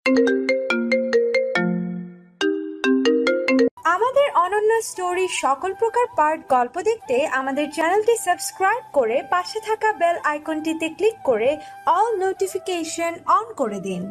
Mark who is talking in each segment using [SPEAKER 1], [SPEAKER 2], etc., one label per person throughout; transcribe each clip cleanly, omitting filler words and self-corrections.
[SPEAKER 1] আমাদের অনন্য স্টোরি সকল প্রকার পার্ট গল্প দেখতে আমাদের চ্যানেলটি সাবস্ক্রাইব করে পাশে থাকা বেল আইকনটিতে ক্লিক করে অল নোটিফিকেশন অন করে দিন।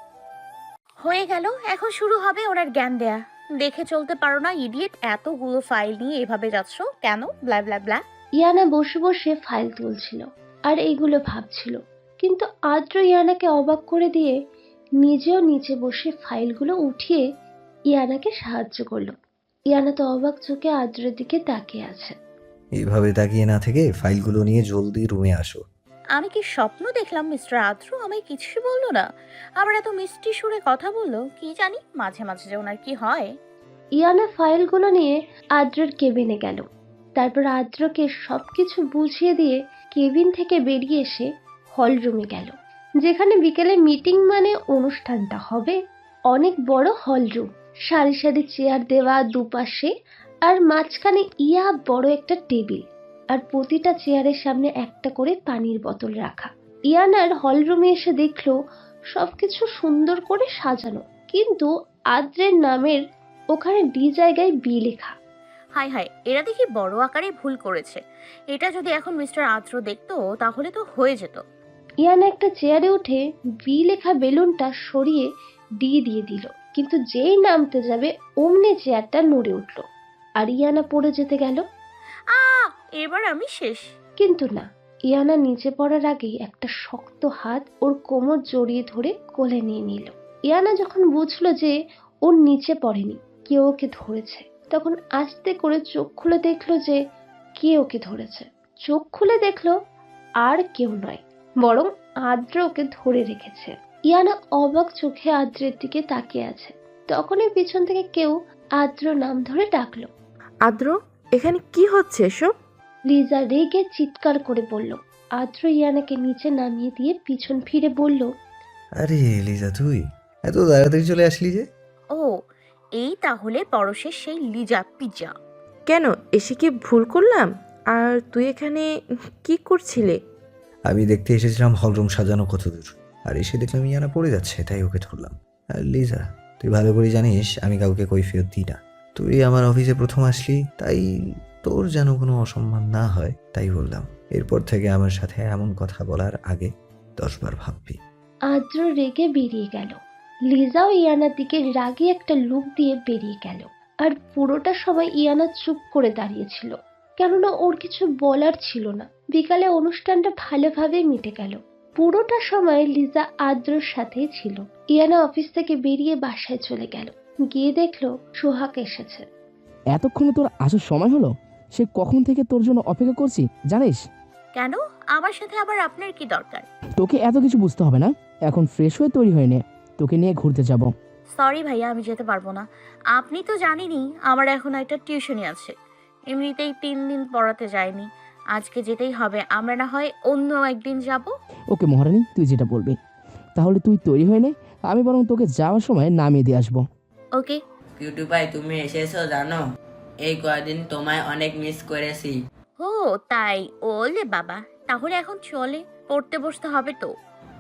[SPEAKER 2] হয়ে গেল, এখন শুরু হবে ওনার জ্ঞান দেয়া। দেখে চলতে পারো না ইডিয়েট, এতগুলো ফাইল নিয়ে এভাবে যাচ্ছ কেন? ব্লা ব্লা ব্লা।
[SPEAKER 3] ইয়ানা বসে বসে ফাইল তুলছিল আর এইগুলো ভাবছিল, কিন্তু আদ্র ইয়ানাকে অবাক করে দিয়ে নিজেও নিচে বসে ফাইলগুলো উঠিয়ে ইয়ানাকে সাহায্য করলো। ইয়ানা তো অবাক চোখে আদ্রের দিকে তাকিয়ে আছে।
[SPEAKER 4] এইভাবে তাকিয়ে না থেকে ফাইলগুলো নিয়ে জলদি রুমে আসো।
[SPEAKER 2] আমি কি স্বপ্ন দেখলাম? মিস্টার আদ্র আমায় কিছুই বললো না, আবার এত মিষ্টি সুরে কথা বললো। কি জানি মাঝে মাঝে যে ওনার কি হয়।
[SPEAKER 3] ইয়ানা ফাইলগুলো নিয়ে আদ্রের কেবিনে গেল। তারপর আদ্রকে সবকিছু বুঝিয়ে দিয়ে কেবিন থেকে বেরিয়ে এসে হল রুমে গেল, যেখানে বিকেলে মিটিং মানে অনুষ্ঠানটা হবে। অনেক বড় হল রুম, সারি সারি চেয়ার দেওয়া দুপাশে, আর মাঝখানে ইয়া বড় একটা টেবিল, আর প্রতিটা চেয়ারের সামনে একটা করে পানির বোতল রাখা। ইয়ানার হল রুমে এসে দেখলো সবকিছু সুন্দর করে সাজানো, কিন্তু আদ্রের নামের ওখানে ডি জায়গায় বি লেখা।
[SPEAKER 2] হাই হাই, এরা দেখি বড় আকারে ভুল করেছে। এটা যদি এখন মিস্টার আদ্র দেখতো তাহলে তো হয়ে যেত।
[SPEAKER 3] ইয়ানা একটা চেয়ারে উঠে বি লেখা বেলুনটা সরিয়ে ডি দিয়ে দিল, কিন্তু যেই নামতে যাবে অমনি চেয়ারটা নড়ে উঠল আর ইয়ানা পড়ে যেতে গেল।
[SPEAKER 2] আ এবার আমি শেষ।
[SPEAKER 3] কিন্তু না, ইয়ানা নিচে পড়ার আগেই একটা শক্ত হাত ওর কোমর জড়িয়ে ধরে কোলে নিয়ে নিল। ইয়ানা যখন বুঝলো যে ওর নিচে পড়েনি, কেউ ওকে ধরেছে, তখন আস্তে করে চোখ খুলে দেখলো যে কে ওকে ধরেছে। চোখ খুলে দেখলো আর কেউ নয়, বরং আদ্র ওকে ধরে রেখেছে। ইয়ানা অবাক চোখে আদ্রের দিকে তাকিয়ে আছে। তখনই পিছন থেকে কেউ আদ্র নাম ধরে ডাকলো।
[SPEAKER 5] আদ্র, এখানে কি হচ্ছে এসব?
[SPEAKER 3] লিজা রেগে চিৎকার করে বলল। আদ্র ইয়ানাকে নিচে নামিয়ে দিয়ে পিছন ফিরে বলল,
[SPEAKER 4] আরে লিজা, তুই এত তাড়াতাড়ি চলে আসলি যে?
[SPEAKER 2] ও, এই তাহলে পরশের সেই লিজা পিজা।
[SPEAKER 5] কেন, এসে কি ভুল করলাম? আর তুই এখানে কি করছিলে?
[SPEAKER 4] আমি দেখতে এসেছিলাম হলরুম সাজানো কতদূর, আর এসে দেখলাম ইয়ানা পড়ে যাচ্ছে, তাই ওকে ধরলাম। আর লিজা, তুই ভালো করে জানিস আমি কাউকে কৈফিয়ত দিই না। তুই আমার অফিসে প্রথম আসলি, তাই তোর যেন কোনো অসম্মান না হয় তাই বললাম। এরপর থেকে আমার সাথে এমন কথা বলার আগে 10 বার ভাববি।
[SPEAKER 3] আদ্র রেগে বেরিয়ে গেল। লিজাও ইয়ানার দিকে রাগে একটা লুক দিয়ে বেরিয়ে গেল। আর পুরোটা সময় ইয়ানা চুপ করে দাঁড়িয়েছিল, কেননা ওর কিছু বলার ছিল না। বিকালে অনুষ্ঠানটা ভালোভাবে মিটে গেল। পুরোটা সময় লিজা আদ্রর সাথেই ছিল। ইয়ানা অফিস থেকে বেরিয়ে বাসায় চলে গেল। গিয়ে দেখলো সোহাগ এসেছে।
[SPEAKER 6] এতক্ষণে তোর আসার সময় হলো? সে কখন থেকে তোর জন্য অপেক্ষা করছি জানিস?
[SPEAKER 2] কেন? আমার সাথে আবার আপনার কি দরকার?
[SPEAKER 6] তোকে এত কিছু বুঝতে হবে না, এখন ফ্রেশ হয়ে তৈরি হয়ে নে, তোকে নিয়ে ঘুরতে যাব।
[SPEAKER 2] সরি ভাইয়া, আমি যেতে পারবো না। আপনি তো জানেনই আমার এখন একটা টিউশনি আছে। এমনিতেই 3 দিন পড়াতে যায়নি, আজকে যেতেই হবে। আমরা না হয় অন্য একদিন যাব।
[SPEAKER 6] ওকে মহারানী, তুই যেটা বলবি। তাহলে তুই তৈরি হয়ে নে, আমি বরং তোকে যাওয়ার সময় নামিয়ে দিয়ে আসবো।
[SPEAKER 2] ওকে।
[SPEAKER 7] কিউটু ভাই, তুমি এসেছো জানো? এই কয়দিন তোমায় অনেক মিস করেছি।
[SPEAKER 2] ও তাই? ওলে বাবা, তাহলে এখন চলে পড়তে বসতে হবে তো।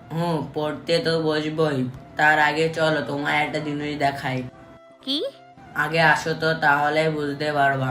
[SPEAKER 7] পড়তে তো বসবই, তার আগে চলো তোমায় একটা জিনিস দেখাই।
[SPEAKER 2] কি?
[SPEAKER 7] আগে আসো তো, তাহলে বুঝতে পারবা।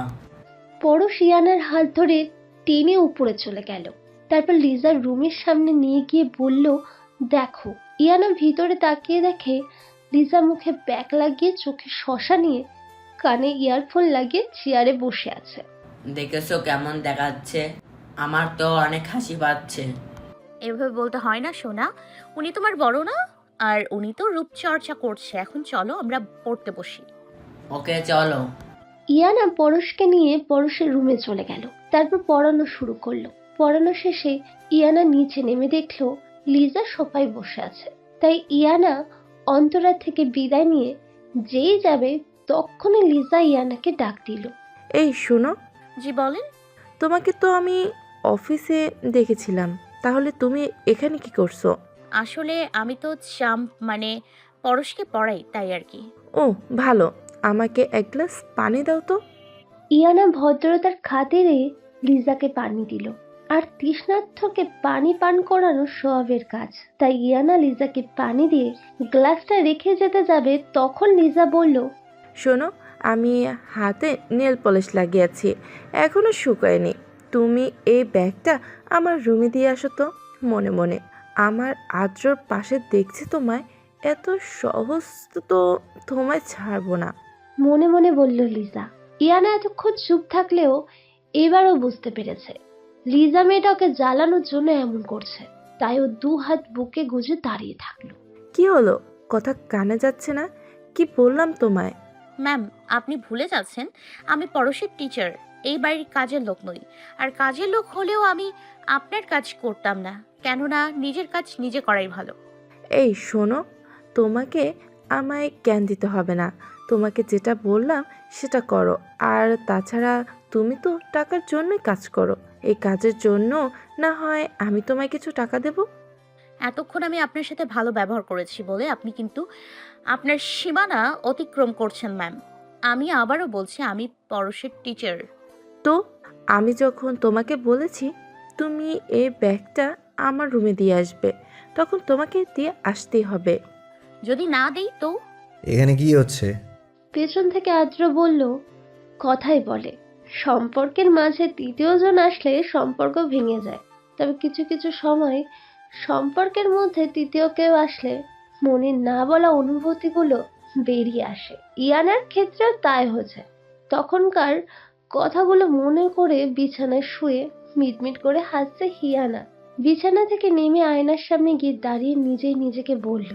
[SPEAKER 3] পরশ ইয়ানার হাত ধরে টেনে উপরে চলে গেল। তারপর লিজার রুমের সামনে নিয়ে গিয়ে বলল, দেখো। ইয়ানা ভিতরে তাকিয়ে দেখে লিজা মুখে ব্যাগ লাগিয়ে, চোখে শসা নিয়ে, কানে ইয়ারফোন লাগিয়ে চেয়ারে বসে আছে।
[SPEAKER 7] দেখেছো কেমন দেখাচ্ছে? আমার তো অনেক হাসি পাচ্ছে।
[SPEAKER 2] এভাবে বলতে হয় না সোনা, উনি তোমার বড় না? আর উনি তো রূপচর্চা করছে। এখন চলো আমরা পড়তে বসি।
[SPEAKER 7] ওকে চলো।
[SPEAKER 3] ইয়ানা পরশকে নিয়ে পরশের রুমে চলে গেল। তারপর পড়ানো শুরু করলো। পড়ানো শেষে ইয়ানা নিচে নেমে দেখলো লিজা সোফায় বসে আছে। তাই ইয়ানা অন্তরা থেকে বিদায় নিয়ে যেই যাবে, তখনই লিজা ইয়ানাকে ডাক দিল।
[SPEAKER 5] এই শোনো,
[SPEAKER 2] জি বলেন।
[SPEAKER 5] তোমাকে তো আমি অফিসে দেখেছিলাম, তাহলে তুমি এখানে কি করছো?
[SPEAKER 2] আসলে আমি তো মানে পরশকে পড়াই, তাই আর কি।
[SPEAKER 5] ও ভালো, আমাকে এক গ্লাস পানি দাও তো।
[SPEAKER 3] ইয়ানা ভদ্রতার খাতিরে লিজাকে পানি দিল। আর তৃষ্ণার্থকে পানি পান করানো সোয়াবের কাজ। তাই ইয়ানা লিজাকে পানি দিয়ে গ্লাসটা রেখে যেতে যাবে, তখন লিজা বলল,
[SPEAKER 5] শোনো, আমি হাতে নেল পলিশ লাগিয়েছি, এখনো শুকায়নি। তুমি এই ব্যাগটা আমার রুমে দিয়ে আসো তো। মনে মনে আমার আদ্রর পাশে দেখছি তোমায়, এত সহজ তো তোমায় ছাড়বো না।
[SPEAKER 3] মনে মনে বলল লিজা। ইয়ানা এতক্ষণ চুপ থাকলেও এবারও বুঝতে পেরেছে লিজা মেয়েটা ওকে জ্বালানোর জন্য এমন করছে। তাই ও 2 হাত বুকে গুজে দাঁড়িয়ে থাকলো।
[SPEAKER 5] কি হলো, কথা কানে যাচ্ছে না? কি বললাম তোমায়?
[SPEAKER 2] ম্যাম, আপনি ভুলে যাচ্ছেন আমি পড়োশের টিচার, এই বাড়ির কাজের লোক নই। আর কাজের লোক হলেও আমি আপনার কাজ করতাম না, কেননা নিজের কাজ নিজে করাই ভালো।
[SPEAKER 5] এই শোনো, তোমাকে আমায় জ্ঞান দিতে হবে না। তোমাকে যেটা বললাম সেটা করো। আর তাছাড়া তুমি তো টাকার জন্যই কাজ করো, এই কাজের জন্য না হয় আমি তোমায় কিছু টাকা দেব।
[SPEAKER 2] এতক্ষণ আমি আপনার সাথে ভালো ব্যবহার করেছি বলে আপনি কিন্তু আপনার সীমানা অতিক্রম করছেন ম্যাম। আমি আবারও বলছি আমি পড়োশের টিচার।
[SPEAKER 5] তো আমি যখন তোমাকে বলেছি তুমি এই ব্যাগটা আমার রুমে দিয়ে আসবে, তখন তোমাকে দিয়ে আসতেই হবে।
[SPEAKER 2] যদি না দেই তো?
[SPEAKER 4] এখানে কি হচ্ছে?
[SPEAKER 3] পেছন থেকে আদ্র বলল, কথাই বলে সম্পর্কের মাঝে তৃতীয় জন আসলে সম্পর্ক ভেঙে যায়। তবে কিছু কিছু সময় সম্পর্কের মধ্যে তৃতীয় কেউ আসলে মনের না বলা অনুভূতিগুলো বেরিয়ে আসে। ইয়ানার ক্ষেত্রেও তাই হয়েছে। তখনকার কথাগুলো মনে করে বিছানায় শুয়ে মিটমিট করে হাসছে হিয়ানা। বিছানা থেকে নেমে আয়নার সামনে গিয়ে দাঁড়িয়ে নিজেই নিজেকে বলল,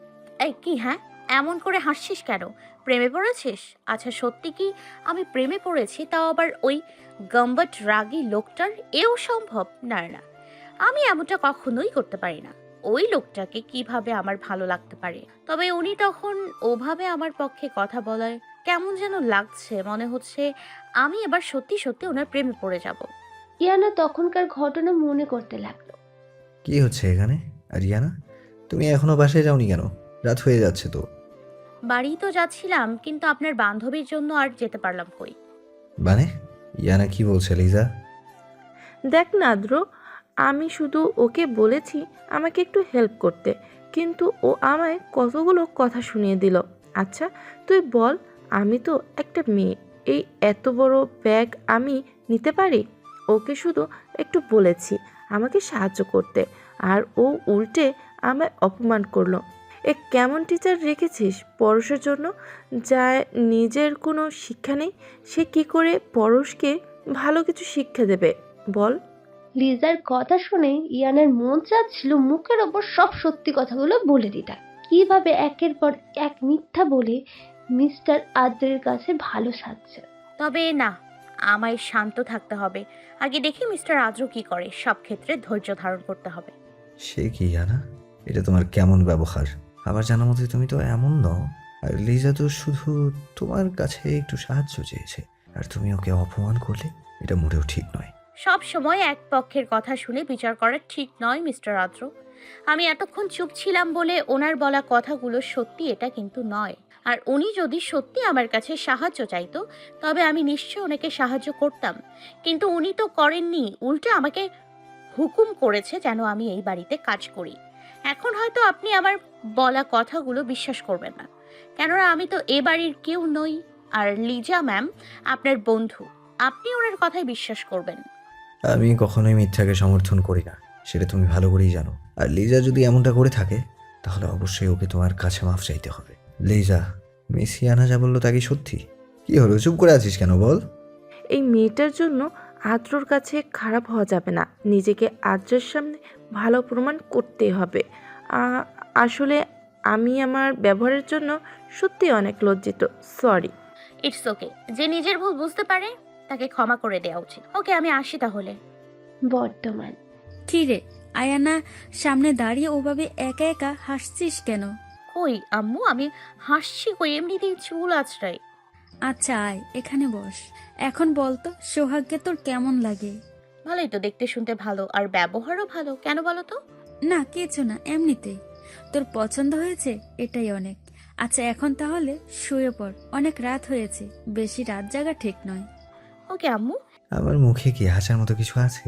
[SPEAKER 2] এই কি, হ্যাঁ এমন করে হাসছিস কেন? প্রেমে পড়েছিস? আচ্ছা সত্যি কি আমি প্রেমে পড়েছি, তাও আবার ওই গম্বট রাগী লোকটার? এও সম্ভব? না না, আমি এমনটা কখনোই করতে পারি না। ওই লোকটাকে কিভাবে আমার ভালো লাগতে পারে? তবে উনি তখন ওভাবে আমার পক্ষে কথা বলায় কেমন যেন লাগছে, মনে হচ্ছে আমি এবার সত্যি সত্যি ওনার প্রেমে পড়ে যাব।
[SPEAKER 3] ইয়ানা তখনকার ঘটনা মনে করতে লাগলো।
[SPEAKER 4] কি হচ্ছে এখানে? আর ইয়ানা, তুমি এখনো বাসায় যাওনি কেন? রাত হয়ে যাচ্ছে তো।
[SPEAKER 2] বাড়ি তো যাচ্ছিলাম, কিন্তু আপনার বান্ধবীর জন্য আর যেতে পারলাম কই।
[SPEAKER 4] মানে ইয়ানা কি বলছে লিজা?
[SPEAKER 5] দেখ না আদ্র, আমি শুধু ওকে বলেছি আমাকে একটু হেল্প করতে, কিন্তু ও আমায় কতগুলো কথা শুনিয়ে দিল। আচ্ছা তুই বল, আমি তো একটা মেয়ে, এই এত বড় ব্যাগ আমি নিতে পারি? ওকে শুধু একটু বলেছি আমাকে সাহায্য করতে, আর ও উল্টে আমায় অপমান করলো। এ কেমন টিচার রেখেছিস পরশের জন্য, যা নিজের কোনো শিক্ষা নেই? সে কি করে পরশকে ভালো কিছু শিক্ষা দেবে বল?
[SPEAKER 3] লিজার কথা শুনে ইয়ানার মন চাচ্ছিল মুখের ওপর সব সত্যি কথাগুলো বলে দিতে। কিভাবে একের পর এক মিথ্যা বলে মিস্টার আদ্রের কাছে ভালো সাজছে।
[SPEAKER 2] তবে না, আমায় শান্ত থাকতে হবে। আগে দেখি মিস্টার আদ্র কি করে। সব ক্ষেত্রে ধৈর্য ধারণ করতে হবে।
[SPEAKER 4] সে কি ইয়ানা, এটা তোমার কেমন ব্যবহার? আমার জানার মতে তুমি তো এমন নও। আর লিজা তো শুধু তোমার কাছে একটু সাহায্য চেয়েছে, আর তুমি ওকে অপমান করলে, এটা মোটেও ঠিক নয়।
[SPEAKER 2] সব সময় এক পক্ষের কথা শুনে বিচার করা ঠিক নয় মিস্টার আদ্র। আমি এতক্ষণ চুপ ছিলাম বলে ওনার বলা কথাগুলো সত্যি এটা কিন্তু নয়। আর উনি যদি সত্যি আমার কাছে সাহায্য চাইতো, তবে আমি নিশ্চয়ই ওনাকে সাহায্য করতাম। কিন্তু উনি তো করেননি, উল্টে আমাকে হুকুম করেছে যেন আমি এই বাড়িতে কাজ করি। এখন হয়তো আপনি আমার বলা কথাগুলো বিশ্বাস করবেন না, কেননা আমি তো এ বাড়ির কেউ নই। আর লিজা ম্যাম আপনার বন্ধু, আপনি ওনার কথাই বিশ্বাস করবেন।
[SPEAKER 4] আমি কখনোই মিথ্যাকে সমর্থন করি না, সেটা তুমি ভালো করেই জানো। আর লিজা যদি এমনটা করে থাকে, তাহলে অবশ্যই ওকে তোমার কাছে মাফ চাইতে হবে। লিজা, মিস ইয়ানা যা বললো তা কি সত্যি? কি হলো, চুপ করে আছিস কেন বল?
[SPEAKER 5] এই মেয়েটার জন্য আদ্রর কাছে খারাপ হওয়া যাবে না, নিজেকে আদ্রের সামনে ভালো প্রমাণ করতে হবে। আসলে আমি আমার ব্যবহারের জন্য সত্যি অনেক লজ্জিত, সরি।
[SPEAKER 2] ইটস ওকে, যে নিজের ভুল বুঝতে পারে তাকে ক্ষমা করে দেওয়া উচিত। ওকে, আমি আসি তাহলে।
[SPEAKER 3] বর্তমান
[SPEAKER 8] কি রে আয়ানা, সামনে দাঁড়িয়ে ওভাবে একা একা হাসছিস কেন?
[SPEAKER 2] কই আম্মু, আমি হাসছি কই, এমনিতেই চুল আছড়াই।
[SPEAKER 8] আচ্ছা আয় এখানে বস। এখন বলতো সোহাগকে তোর কেমন লাগে?
[SPEAKER 2] ভালোই তো, দেখতে শুনতে ভালো, আর ব্যবহারও ভালো। কেন বলো তো?
[SPEAKER 8] না কিছু না, এমনিতেই। তোর পছন্দ হয়েছে, এটাই অনেক। আচ্ছা এখন তাহলে শুয়ে পড়, অনেক রাত হয়েছে, বেশি রাত জাগা ঠিক নয়।
[SPEAKER 2] ওকে আম্মু।
[SPEAKER 4] আমার মুখে কি হাসার মতো কিছু আছে?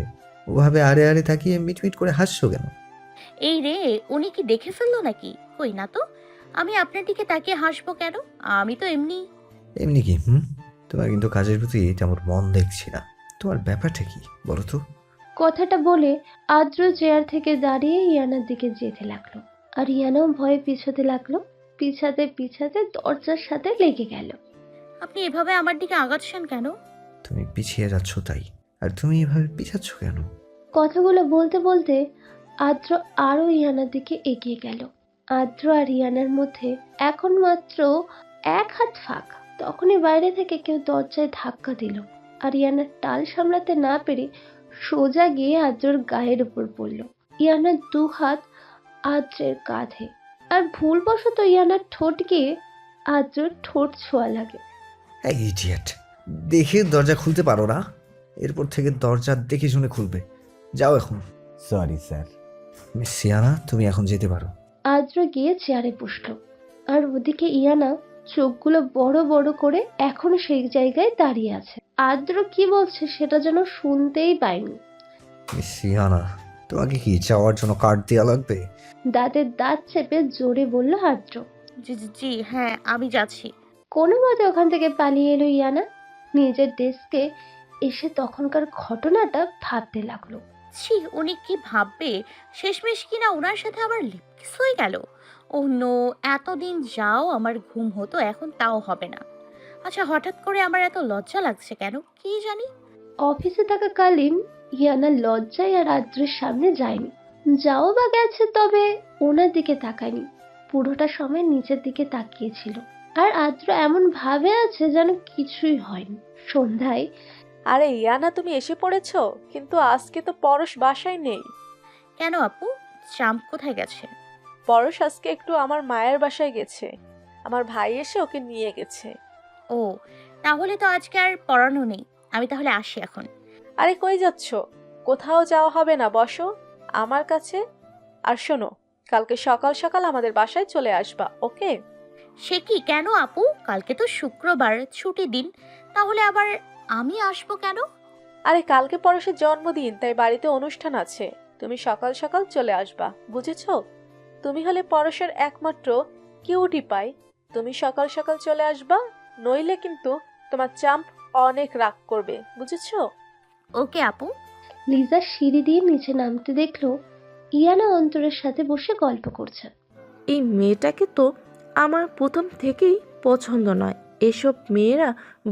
[SPEAKER 4] ওভাবে আড়ে আড়ে তাকিয়ে মিটমিট করে হাসছো কেন?
[SPEAKER 2] এই রে, উনি কি দেখে ফেললো নাকি? কই না তো। আমি আপনার দিকে তাকিয়ে হাসবো কেন? আমি তো এমনি।
[SPEAKER 4] এমনি কি? তোমার কিন্তু কাজের প্রতি তেমন মন দেখছি না। তোমার ব্যাপারটা কি বলো তো?
[SPEAKER 3] কথাটা বলে আদ্র চেয়ার থেকে দাঁড়িয়ে ইয়ানার দিকে যেতে লাগলো, আর ইয়ানাও ভয়ে পিছাতে লাগলো। পিছাতে পিছাতে দরজার সাথে লেগে গেল।
[SPEAKER 2] আপনি এভাবে আমার দিকে আগাচ্ছেন কেন?
[SPEAKER 4] তুমি পিছিয়ে যাচ্ছ তাই। আর তুমি এভাবে পিছাচ্ছ কেন?
[SPEAKER 3] কথাগুলো বলতে বলতে আদ্র আরো ইয়ানার দিকে এগিয়ে গেল। আদ্র আর ইয়ানার মধ্যে এখন মাত্র 1 হাত ফাঁক। তখনই বাইরে থেকে কেউ দরজায় ধাক্কা দিল, আর ইয়ানার টাল সামলাতে না পেরে সোজা গিয়ে আদ্রর গায়ের উপর পড়ল। ইয়ানার 2 হাত আদ্রের কাঁধে, আর ভুলবশত ইয়ানার ঠোঁট গিয়ে আদ্রর ঠোঁট ছোঁয়া লাগে।
[SPEAKER 4] এই ইডিয়েট, দেখে দরজা খুলতে পারো না? এরপর থেকে দরজা দেখে শুনে খুলবে। যাও এখন।
[SPEAKER 9] Sorry sir.
[SPEAKER 4] মিস সিয়ানা, তুমি এখন যেতে পারো।
[SPEAKER 3] আদ্র গিয়ে চেয়ারে বসলো, আর ওদিকে ইয়ানা চোখগুলো বড় বড় করে এখনো সেই জায়গায় দাঁড়িয়ে আছে। আদ্র কি বলছে সেটা যেন শুনতেই পায়নি।
[SPEAKER 4] মিস সিয়ানা, তোমাকে কি যাওয়ার জন্য কার্ড দেওয়া লাগবে?
[SPEAKER 3] দাঁতের দাঁত চেপে জোরে বলল আদ্র।
[SPEAKER 2] জি জি জি, হ্যাঁ আমি যাচ্ছি।
[SPEAKER 3] কোনো মতে ওখান থেকে পালিয়ে এলো ইয়ানা। নিজের ডেস্কে এসে তখনকার ঘটনাটা ভাবতে লাগলো।
[SPEAKER 2] ছি, উনি কি ভাববে? শেষমেশ কিনা ওনার সাথে আমার লিপকিস হয়ে গেল। ও নো, এতদিন যাও আমার ঘুম হতো, এখন তাও হবে না। আচ্ছা, হঠাৎ করে আমার এত লজ্জা লাগছে কেন কি জানি।
[SPEAKER 3] অফিসে থাকাকালীন ইয়ানা লজ্জায় আর আদ্রের সামনে যায়নি। যাও বা গেছে, তবে ওনার দিকে তাকায়নি। পুরোটা সময় নিচের দিকে তাকিয়েছিল, আর আদ্র এমন ভাবে আছে যেন কিছুই হয়নি। সন্ধ্যায়
[SPEAKER 10] আরে ইয়ানা, তুমি এসে পড়েছো? কিন্তু আজকে তো পরশ বাসায় নেই।
[SPEAKER 2] কেন আপু, চাম্প কোথায় গেছে?
[SPEAKER 10] পরশ আজকে একটু আমার মায়ের বাসায় গেছে। আমার ভাই এসে ওকে নিয়ে গেছে।
[SPEAKER 2] ও, তাহলে তো আজকে আর পড়ানো নেই। আমি তাহলে আসি এখন।
[SPEAKER 10] আরে কই যাচ্ছো? কোথাও যাওয়া হবে না, বসো আমার কাছে। আর শোনো, কালকে সকাল সকাল আমাদের বাসায় চলে আসবা, ওকে?
[SPEAKER 2] সে কি, কেন আপু? কালকে তো শুক্রবার, ছুটি দিন। তাহলে আবার আমি আসবো কেন?
[SPEAKER 10] আরে কালকে পরশের জন্মদিন, তাই বাড়িতে অনুষ্ঠান আছে। তুমি সকাল সকাল চলে আসবা, বুঝেছো? তুমি হলে পরশের একমাত্র কিউটি পাই। তুমি সকাল সকাল চলে আসবা, নইলে কিন্তু তোমার চাম্প অনেক রাগ করবে, বুঝেছো?
[SPEAKER 2] ওকে আপু।
[SPEAKER 3] লিজা সিঁড়ি দিয়ে নিচে নামতে দেখলো ইয়ানা অন্তরের সাথে বসে গল্প করছে।
[SPEAKER 5] এই মেয়েটাকে তো আমার প্রথম থেকেই পছন্দ নয়। এসব মেয়েরা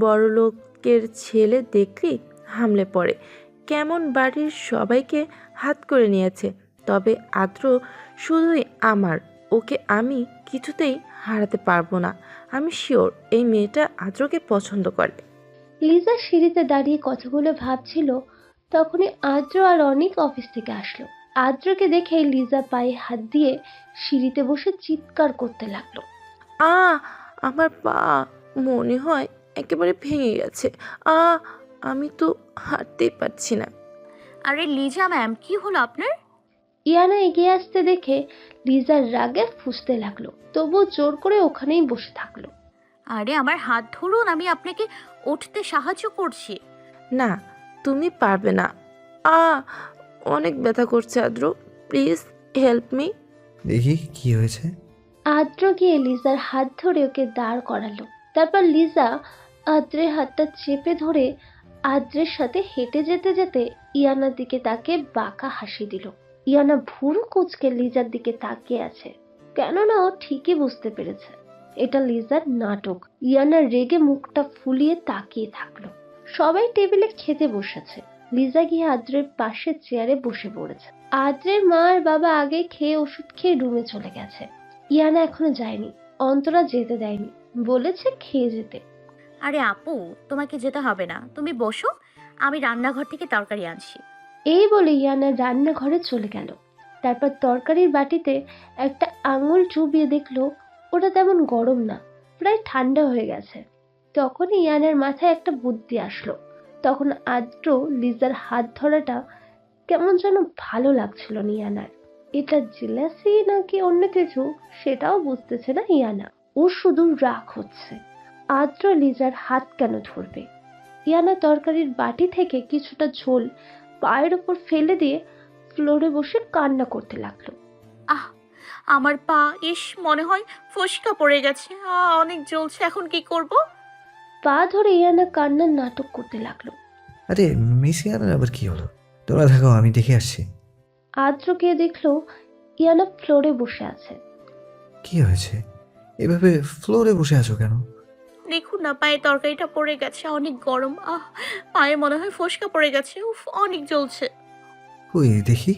[SPEAKER 5] বড়লোকের ছেলে দেখলেই হামলে পড়ে। কেমন বাড়ির সবাইকে হাত করে নিয়েছে। তবে আদ্র শুধুই আমার। ওকে আমি কিছুতেই হারাতে পারবো না। আমি শিওর এই মেয়েটা আদ্রকে পছন্দ করে।
[SPEAKER 3] লিজা সিঁড়িতে দাঁড়িয়ে কথাগুলো ভাবছিল, তখনই আদ্র আর অনিক অফিস থেকে আসলো। আদ্রকে দেখে লিজা পায়ে হাত দিয়ে সিঁড়িতে বসে চিৎকার করতে লাগলো।
[SPEAKER 5] আমার পা মনে হয় একেবারে ভেঙে গেছে। আমি তো হাঁটতেই পারছি না।
[SPEAKER 2] আরে লিজা ম্যাম, কি হলো আপনার?
[SPEAKER 3] ইয়ানা এগিয়ে আসতে দেখে লিজার রাগে ফুঁসতে লাগলো, তবুও জোর করে ওখানেই বসে থাকলো।
[SPEAKER 2] আরে আমার হাত ধরুন, আমি আপনাকে উঠতে সাহায্য করছি।
[SPEAKER 5] না, তুমি পারবে না। অনেক ব্যথা করছে আদ্র, প্লিজ হেল্প মি।
[SPEAKER 4] দেখি কি হয়েছে।
[SPEAKER 3] আদ্র গিয়ে লিজার হাত ধরে ওকে দাঁড় করালো। তারপর লিজা আদ্রের হাতটা চেপে ধরে আদ্রের সাথে হেঁটে যেতে যেতে ইয়ানার দিকে তাকে বাঁকা হাসি দিল। ইয়ানা ভুরু কুঁচকে লিজার দিকে তাকিয়ে আছে, কেননা ও ঠিকই বুঝতে পেরেছে এটা লিজার নাটক। ইয়ানা রেগে মুখটা ফুলিয়ে তাকিয়ে থাকলো। সবাই টেবিলে খেতে বসেছে। লিজা গিয়ে আদ্রের পাশে চেয়ারে বসে পড়েছে। আদ্রের মা আর বাবা আগে খেয়ে ওষুধ খেয়ে রুমে চলে গেছে। ইয়ানা এখনো যায়নি, অন্তরা যেতে দেয়নি, বলেছে খেয়ে যেতে।
[SPEAKER 2] আরে আপু, তোমাকে যেতে হবে না, তুমি বসো, আমি রান্নাঘর থেকে তরকারি আনছি।
[SPEAKER 3] এই বলে ইয়ানা রান্নাঘরে চলে গেল। তারপর তরকারির বাটিতে একটা আঙুল চুবিয়ে দেখলো ওটা তেমন গরম না, প্রায় ঠান্ডা হয়ে গেছে। তখন ইয়ানার মাথায় একটা বুদ্ধি আসলো। তখন আদ্র লিজার হাত ধরাটা কেমন যেন ভালো লাগছিল না ইয়ানার। এটা জেলাসি নাকি অন্য কিছু সেটাও বুঝতেছে না ইয়ানা। ও শুধু রাগ হচ্ছে, আদ্র লিজার হাত কেন ধরবে। ইয়ানা তরকারির বাটি থেকে কিছুটা ঝোল পায়ের ওপর ফেলে দিয়ে ফ্লোরে বসে কান্না করতে লাগলো।
[SPEAKER 2] আহ, আমার পা, ইস, মনে হয় ফোসকা পড়ে গেছে। অনেক জ্বলছে, এখন কি করব?
[SPEAKER 3] পা ধরে ইয়ানা কান্নার নাটক করতে লাগলো।
[SPEAKER 4] আরে মিস ইয়ানার আবার কি হলো? তোমরা থাকো, আমি দেখে আসছি।
[SPEAKER 3] আদ্র গিয়ে দেখলো ইয়ানা ফ্লোরে বসে আছে।
[SPEAKER 4] কি হয়েছে? এভাবে ফ্লোরে বসে আছো কেন?
[SPEAKER 2] দেখুন না, পায়ে তরকারিটা পড়ে গেছে, অনেক গরম। পায়ে মনে হয় ফোসকা পড়ে গেছে। উফ, অনেক জ্বলছে।
[SPEAKER 4] ওই দেখি।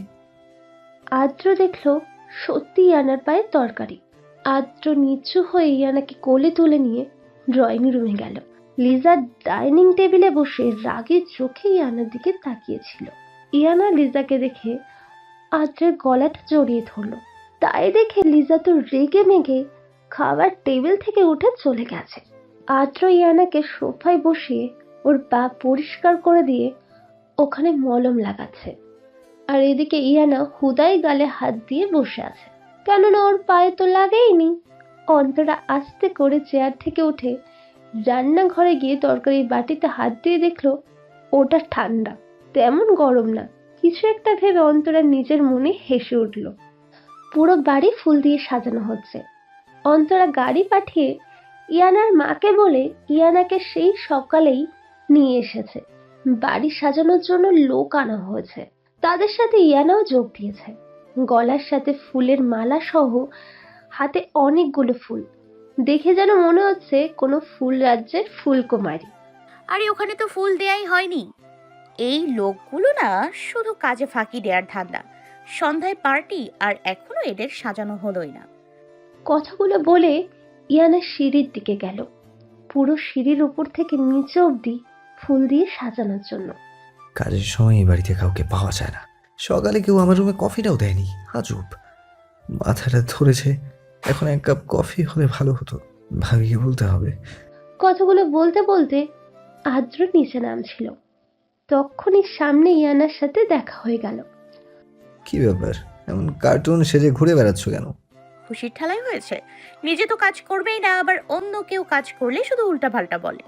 [SPEAKER 3] আদ্র দেখলো সত্যি ইয়ানার পায়ে তরকারি। আদ্র নিচু হয়ে ইয়ানাকে কোলে তুলে নিয়ে ড্রয়িং রুমে গেল। লিজা ডাইনিং টেবিলে বসে রাগে চোখে ইয়ানার দিকে তাকিয়েছিল। ইয়ানা লিজাকে দেখে আদ্রের গলাটা জড়িয়ে ধরলো। তাই দেখে লিজা তো রেগে মেগে খাবার টেবিল থেকে উঠে চলে গেছে। আদ্র ইয়ানাকে সোফায় বসিয়ে ওর পা পরিষ্কার করে দিয়ে ওখানে মলম লাগাচ্ছে। আর এদিকে ইয়ানা হুদাই গালে হাত দিয়ে বসে আছে, কেননা ওর পায়ে তো লাগেইনি। অন্তরা আস্তে করে চেয়ার থেকে উঠে রান্নাঘরে গিয়ে তরকারির বাটিতে হাত দিয়ে দেখলো ওটা ঠান্ডা, তেমন গরম না। কিছু একটা ভেবে অন্তরা নিজের মনে হেসে উঠল। পুরো বাড়ি ফুল দিয়ে সাজানো হচ্ছে। অন্তরা গাড়ি পাঠিয়ে ইয়ানার মাকে বলে ইয়ানাকে সেই সকালেই নিয়ে এসেছে। বাড়ি সাজানোর জন্য লোক আনা হয়েছে। তাদের সাথে ইয়ানাও যোগ দিয়েছে, গলার সাথে ফুলের মালা সহ হাতে অনেকগুলো ফুল। দেখে যেন মনে হচ্ছে কোনো ফুল রাজ্যের ফুলকুমারী।
[SPEAKER 2] আরে ওখানে তো ফুল দেয়াই হয়নি। এই লোকগুলো না শুধু কাজে ফাঁকি দেওয়ার ধান্দা। সন্ধ্যায় পার্টি, আর এখনো এদের সাজানো হলোই না।
[SPEAKER 3] কথাগুলো বলে ইয়ানা সিঁড়ির দিকে গেল, পুরো সিঁড়ির উপর থেকে নিচে অবধি ফুল দিয়ে সাজানোর জন্য।
[SPEAKER 4] কাজের সময় এই বাড়িতে কাউকে পাওয়া যায় না। সকালে কেউ আমার রুমে কফিটাও দেয়নি, আজব। মাথাটা ধরেছে। এখন এক কাপ কফি হলে ভালো হতো, ভাবিকে বলতে হবে।
[SPEAKER 3] কথাগুলো বলতে বলতে আদ্র নিচে নামছিল, তখনই সামনে ইয়ানার সাথে দেখা হয়ে গেল।
[SPEAKER 4] কি ব্যাপার, এমন কার্টুন সেজে ঘুরে বেড়াচ্ছ কেন?
[SPEAKER 2] খুশির ঠালাই হয়েছে। নিজে তো কাজ করবেই না, আবার অন্য কেউ কাজ করলে শুধু উল্টাপাল্টা বলে।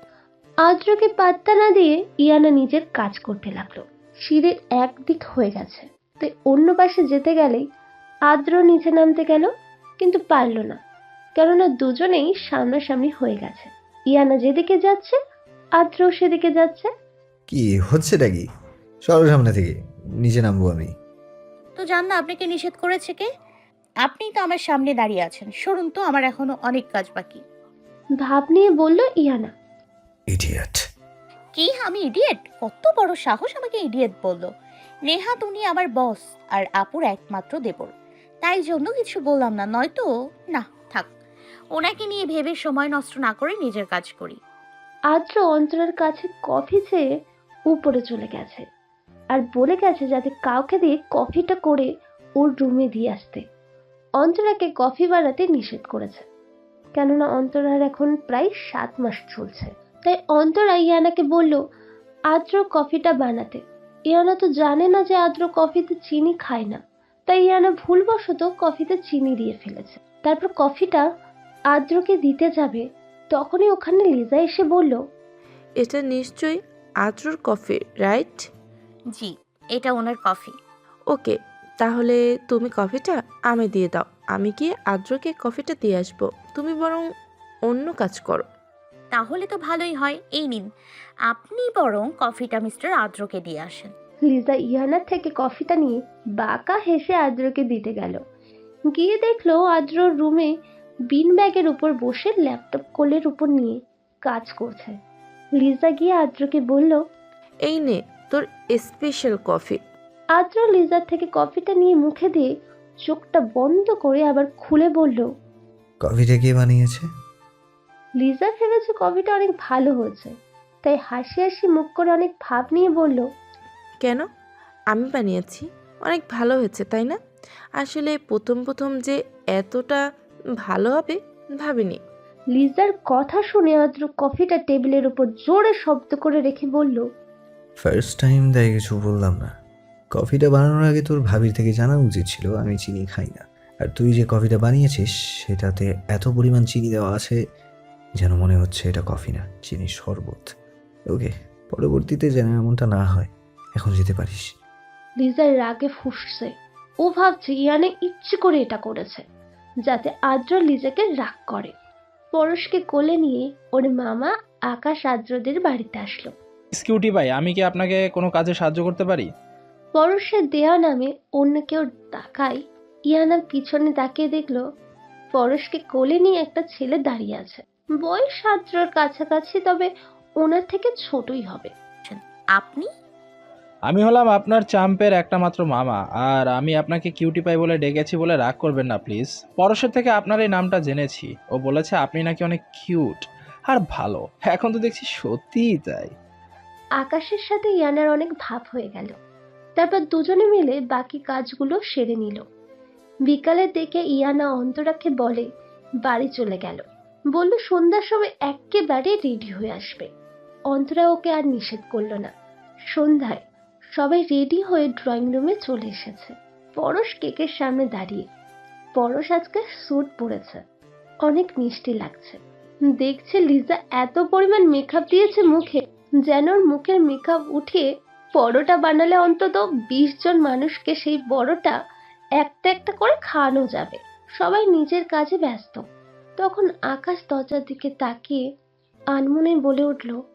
[SPEAKER 3] আদ্রকে পাত্তা না দিয়ে ইয়ানা নিজের কাজ করতে লাগলো। সিঁড়ির একদিক হয়ে গেছে, তাই অন্য পাশে যেতে গেলেই আদ্র নিচে নামতে গেল, কিন্তু পারল না, কেননা দুজনেই সামনাসামনি হয়ে গেছে। ইয়ানা যেদিকে যাচ্ছে আদ্র সেদিকে যাচ্ছে।
[SPEAKER 4] কি হচ্ছেটা কি? সরো সামনে থেকে, নিচে নামবো আমি।
[SPEAKER 2] তো জান না, আপনাকে নিষেধ করেছে কে? আপনি তো আমার সামনে দাঁড়িয়ে আছেন, সরুন তো, আমার এখনো অনেক কাজ বাকি।
[SPEAKER 3] ভাব নিয়ে বলল ইয়ানা।
[SPEAKER 4] ইডিয়েট।
[SPEAKER 2] কি, আমি ইডিয়েট? কত বড় সাহস আমাকে ইডিয়েট বললো? নেহাত উনি আমার বস আর আপুর একমাত্র দেবর, তাই জন্য কিছু বললাম না, নয়তো না। থাক, ওনাকে নিয়ে ভেবে সময় নষ্ট না করে নিজের কাজ করি।
[SPEAKER 3] আদ্র অন্তরার কাছে কফি চেয়ে উপরে চলে গেছে আর বলে গেছে যাতে কাউকে দিয়ে কফিটা করে ওর রুমে দিয়ে আসতে। অন্তরাকে কফি বানাতে নিষেধ করেছে, কেননা অন্তরার এখন প্রায় 7 মাস চলছে। তাই অন্তরা ইয়ানাকে বলল আদ্র কফিটা বানাতে। ইয়ানা তো জানে না যে আদ্র কফিতে চিনি খায় না, তাই ইয়ানা ভুলবশত কফিতে চিনি দিয়ে ফেলেছে। তারপর কফিটা আদ্রকে দিতে যাবে, তখনই ওখানে লিজা এসে বলল,
[SPEAKER 5] এটা নিশ্চয়ই আদ্রর কফি, রাইট?
[SPEAKER 2] জি, এটা ওনার কফি।
[SPEAKER 5] ওকে, তাহলে তুমি কফিটা আমি দিয়ে দাও। আমি গিয়ে আদ্রকে কফিটা দিয়ে আসবো, তুমি বরং অন্য কাজ করো।
[SPEAKER 2] তাহলে তো ভালোই হয়। এই নিন, আপনি বরং কফিটা মিস্টার আদ্রকে দিয়ে আসেন।
[SPEAKER 3] লিজা ইয়ানার থেকে কফিটা নিয়ে বাঁকা হেসে আদ্রকে দিতে গেল। গিয়ে দেখলো আদ্র রুমে বিন ব্যাগের উপর বসে ল্যাপটপ কোলের উপর নিয়ে কাজ করছে। লিজা গিয়ে আদ্রকে বলল,
[SPEAKER 5] এই নে তোর স্পেশাল কফি।
[SPEAKER 3] আদ্র লিজার থেকে কফিটা নিয়ে মুখে দিয়ে চোখটা বন্ধ করে আবার খুলে বলল,
[SPEAKER 4] কফিটা কে বানিয়েছে?
[SPEAKER 3] লিজা ভেবেছে কফিটা অনেক ভালো হয়েছে, তাই হাসি হাসি মুখ করে অনেক ভাব নিয়ে বলল,
[SPEAKER 5] কেন, আমি বানিয়েছি, অনেক ভালো হয়েছে তাই না? আসলে প্রথম প্রথম যে এতটা ভালো হবে ভাবিনি।
[SPEAKER 3] লিজার কথা শুনে আদ্র কফিটা টেবিলের উপর জোরে শব্দ করে রেখে বলল,
[SPEAKER 4] ফার্স্ট টাইম তাই কিছু বললাম না। কফিটা বানানোর আগে তোর ভাবির থেকে জানা উচিত ছিল আমি চিনি খাই না। আর তুই যে কফিটা বানিয়েছিস সেটাতে এত পরিমাণ চিনি দেওয়া আছে যেন মনে হচ্ছে এটা কফি না, চিনির শরবত। ওকে, পরবর্তীতে যেন এমনটা না হয়। এখন যেতে পারিস।
[SPEAKER 3] লিজার রাগে ফুঁসছে। ও ভাবছে ইয়ানা ইচ্ছে করে এটা করেছে যাতে আদ্র লিজাকে রাগ করে। পরশকে কোলে নিয়ে ওর মামা আকাশ আদ্রদের বাড়িতে আসলো।
[SPEAKER 9] কিউটি ভাই, আমি কি আপনাকে কোনো কাজে সাহায্য করতে পারি?
[SPEAKER 3] পরশের দেয়া নামে অন্য কেউ তাকায়। ইয়ানা পিছনে তাকিয়ে দেখলো পরশকে কোলে নিয়ে একটা ছেলে দাঁড়িয়ে আছে। বয়স আদ্রর কাছাকাছি, তবে ওনার থেকে ছোটই হবে।
[SPEAKER 2] আপনি?
[SPEAKER 9] আমি হলাম আপনার চাম্পের একটা মাত্র মামা, আর আমি আপনাকে কিউটি পাই বলে ডেকেছি বলে রাগ করবেন না প্লিজ। পরশের থেকে আপনার এই নামটা জেনেছি, ও বলেছে আপনি নাকি অনেক কিউট আর ভালো। এখন তো দেখছি সত্যিই তাই।
[SPEAKER 3] আকাশের সাথে ইয়ানার অনেক ভাব হয়ে গেল। তারপর দুজনে মিলে বাকি কাজগুলো সেরে নিল। বিকালের দিকে ইয়ানা অন্তরাকে বলে বাড়ি চলে গেল। বলল সন্ধ্যার সময় একেবারে রেডি হয়ে আসবে। অন্তরা ওকে আর নিষেধ করলো না। সন্ধ্যায় সবাই রেডি হয়ে ড্রয়িং রুমে চলে এসেছে। পরশ কেকের সামনে দাঁড়িয়ে। পরশ আজকে স্যুট পরেছে, অনেক মিষ্টি লাগছে। দেখছে লিজা এত পরিমাণ মেকআপ দিয়েছে মুখে, যেন ওর মুখের মেকআপ উঠিয়ে পরোটা বানালে অন্তত 20 জন মানুষকে সেই পরোটা একটা একটা করে খাওয়ানো যাবে। সবাই নিজের কাজে ব্যস্ত। তখন আকাশ দরজার দিকে তাকিয়ে আনমনে বলে উঠল,